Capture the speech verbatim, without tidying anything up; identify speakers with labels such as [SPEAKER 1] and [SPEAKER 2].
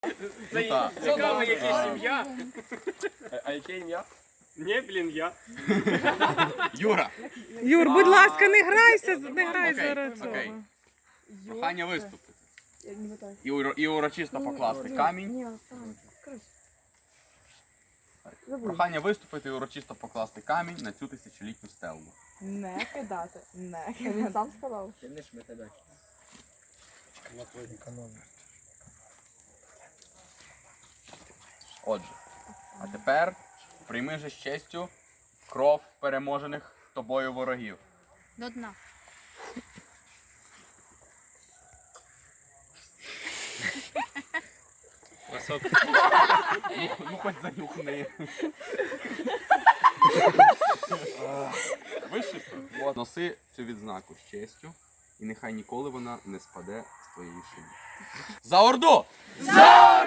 [SPEAKER 1] Ну, так.
[SPEAKER 2] Цікаво, яке сім'я.
[SPEAKER 1] А яке ім'я?
[SPEAKER 2] Ні, блін, я.
[SPEAKER 1] Юра.
[SPEAKER 3] Юр, будь ласка, не грайся, не грай
[SPEAKER 1] Окей,
[SPEAKER 3] зараз
[SPEAKER 1] окей.
[SPEAKER 3] цього.
[SPEAKER 1] Прохання виступити. І, уро- і урочисто покласти камінь. Прохання виступити і урочисто покласти камінь на цю тисячолітню стелу.
[SPEAKER 4] Не кидати, не кидати. Він сам сказав.
[SPEAKER 1] Отже, а тепер прийми же з честю кров переможених тобою ворогів.
[SPEAKER 5] До дна.
[SPEAKER 1] Ну, ну хоч занюхни. Вишито. От. Носи цю відзнаку з честю, і нехай ніколи вона не спаде з твоєї шиї. За Орду! За